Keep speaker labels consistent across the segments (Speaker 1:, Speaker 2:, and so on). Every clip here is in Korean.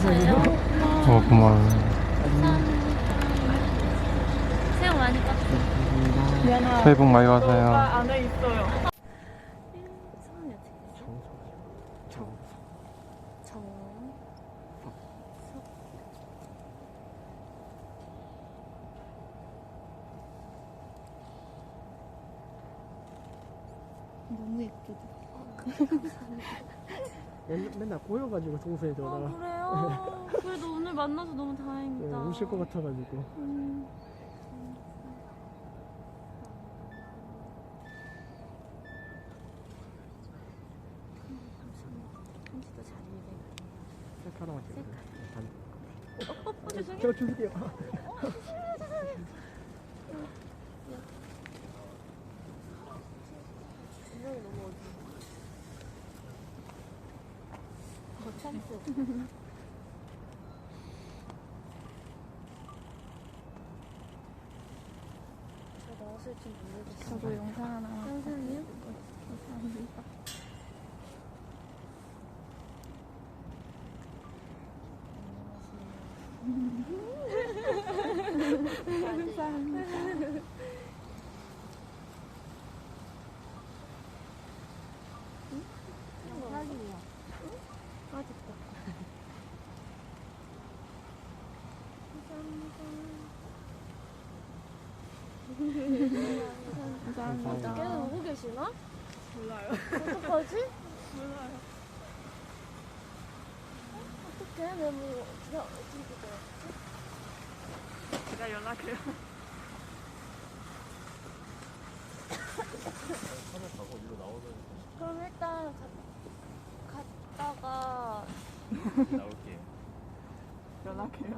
Speaker 1: 주세요.
Speaker 2: 고마워요.
Speaker 3: 새우 많이 깠어.
Speaker 1: 미안하.
Speaker 2: 새해 복 많이 받으세요.
Speaker 1: 안에 있어요.
Speaker 3: 성함이 어떻게 되세요? 정. 너무 예쁘다.
Speaker 1: 맨날 꼬여가지고 동생이 전화가
Speaker 3: 그래요? 그래도 오늘 만나서 너무 다행이다.
Speaker 1: 우실 것 같아가지고.
Speaker 3: 편지도 잘 읽어요.
Speaker 1: 셀카 하나만 찍어요.
Speaker 3: 죄송해요.
Speaker 1: 제가 줄게요.
Speaker 3: 분명히 너무 어두워. 찬스. 저 나왔을지 모르겠어요.
Speaker 4: 저도 영상 하나
Speaker 3: 영상이요?
Speaker 4: 감사합니다. 감사합니다.
Speaker 3: 사진이요. 맛있다.
Speaker 4: 감사합니다.
Speaker 3: 걔는 오고 계시나?
Speaker 1: 몰라요.
Speaker 3: 어떡하지?
Speaker 1: 몰라요.
Speaker 3: 어떡해? 내가 뭐 그냥 어떻게 돼요?
Speaker 1: 제가 연락해요.
Speaker 3: 그럼 일단 갔다가
Speaker 2: 나올게요.
Speaker 1: 연락해요.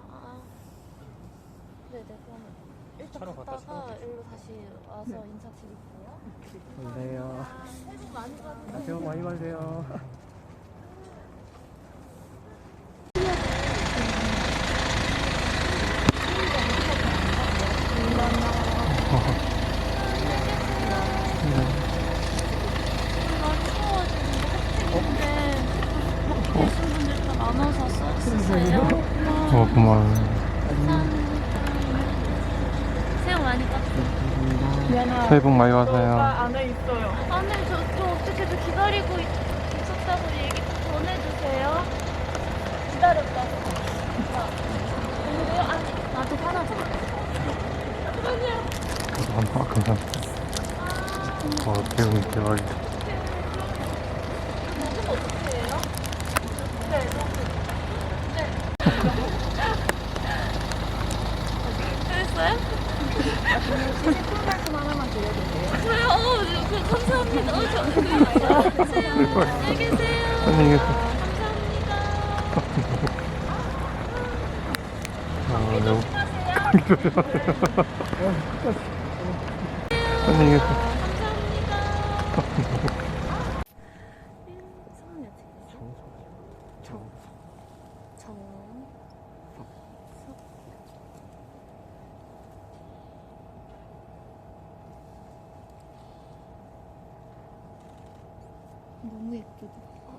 Speaker 3: 네네 그러면 일단
Speaker 2: 차로 갔다
Speaker 3: 갔다가 일로 다시 와서 인사드릴게요.
Speaker 1: 그래요.
Speaker 3: 새해 복 많이 받으세요.
Speaker 1: 새해 복 많이 받으세요.
Speaker 3: 날 추워가지고 핫팩인데 막 계신 분들 다 나눠서 써주세요.
Speaker 2: 고마워요.
Speaker 3: 새우 많이 깠어.
Speaker 4: 미안하.
Speaker 2: 새해 복 많이 받으세요.
Speaker 1: 안에 있어요.
Speaker 3: 안에 저 어떻게든 기다리고 있었다고 얘기 전해주세요. 기다렸다고. 오늘요? 아니 나도 하나 줘. 아니야.
Speaker 2: 감사합니다. 대박이다. 대박이다.
Speaker 3: 먹으면 어떻게 해요? 네, 됐어요?
Speaker 4: 제품 말씀 하나만 드려도 돼요?
Speaker 3: 감사합니다. 안녕히 계세요.
Speaker 2: 안녕히 계세요.
Speaker 3: 감사합니다.
Speaker 2: 너무
Speaker 3: 하세요.
Speaker 2: 안녕히 계세요.
Speaker 3: 감사합니다. 성함이 어떻게 되세요? 정.
Speaker 4: 너무 예쁘다.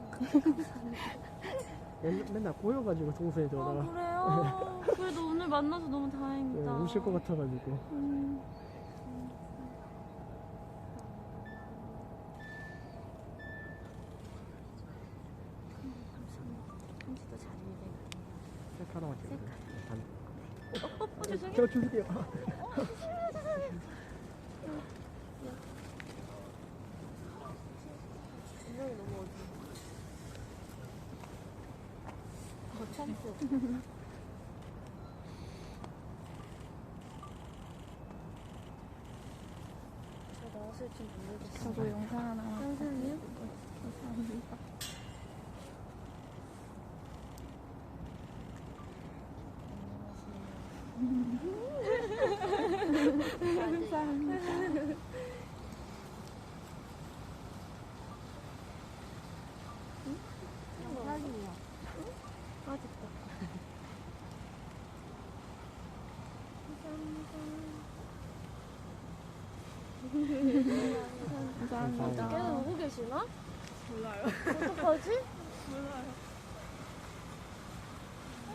Speaker 1: 맨날 꼬여가지고 동생이 전화가
Speaker 3: 그래요? 그래도 오늘 만나서 너무 다행이다.
Speaker 1: 우실 것 같아가지고.
Speaker 3: 편지도 잘 읽어요.
Speaker 1: 셀카 하나만 찍어요.
Speaker 3: 죄송해요.
Speaker 1: 제가 줄게요.
Speaker 3: 분명히 너무 어두워. 찬스. 저 나왔을지 모르겠어요.
Speaker 4: 저도 영상 하나
Speaker 3: 영상이요?
Speaker 4: 감사합니다. 감사합니다.
Speaker 3: 사진이요. 맛있다.
Speaker 4: 감사합니다.
Speaker 3: 걔는 오고 계시나?
Speaker 1: 몰라요.
Speaker 3: 어떡하지?
Speaker 1: 몰라요.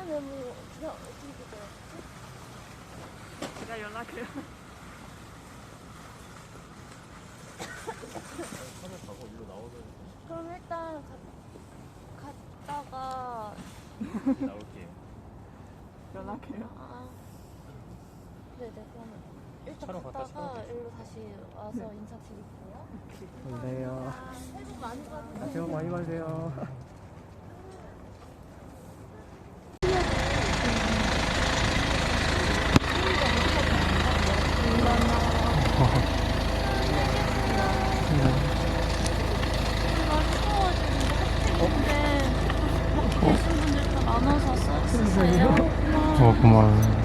Speaker 3: 메모 그냥 어떻게 되더라고?
Speaker 4: 제가 연락해요.
Speaker 3: 그럼 일단 갔다가
Speaker 5: 나올게요.
Speaker 4: 연락해요.
Speaker 3: 아 네네 그러면 일단
Speaker 5: 차로 갔다 차로
Speaker 3: 갔다가
Speaker 5: 가죠.
Speaker 3: 일로 다시 와서 인사드릴게요.
Speaker 1: 감사해요.
Speaker 3: 새해 복 많이 받으세요.
Speaker 1: 새해 복 많이 받으세요.
Speaker 3: 계신 분들 다 나눠서 써주세요.
Speaker 2: 고마워요.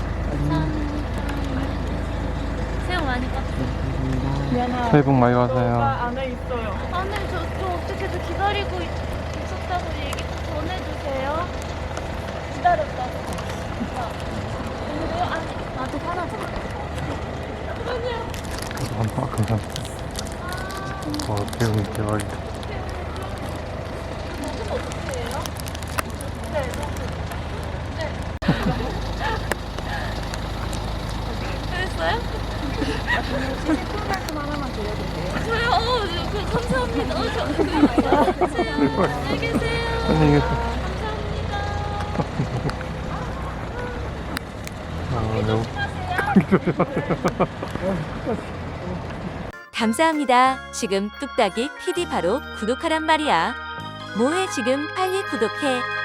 Speaker 3: 새해 복 많이 받으세요.
Speaker 2: 새해 복 많이 받으세요.
Speaker 4: 안에 있어요.
Speaker 3: 아니 저 어떻게든 기다리고 있었다고 얘기 좀 전해주세요. 기다렸다고. 오늘요? 아니 나한테 화나지 마. 아니야.
Speaker 2: 감사합니다. 배우님 대박이다.
Speaker 3: 먹으면 어떻게 해요? 네, 그랬어요?
Speaker 4: 제품 말씀 하나만 드려도 돼요?
Speaker 3: 저요? 감사합니다. 안녕히 계세요.
Speaker 2: 안녕히 계세요.
Speaker 3: 감사합니다.
Speaker 6: 감사합니다. 지금 뚝딱이 PD 바로 구독하란 말이야. 뭐해 지금 빨리 구독해.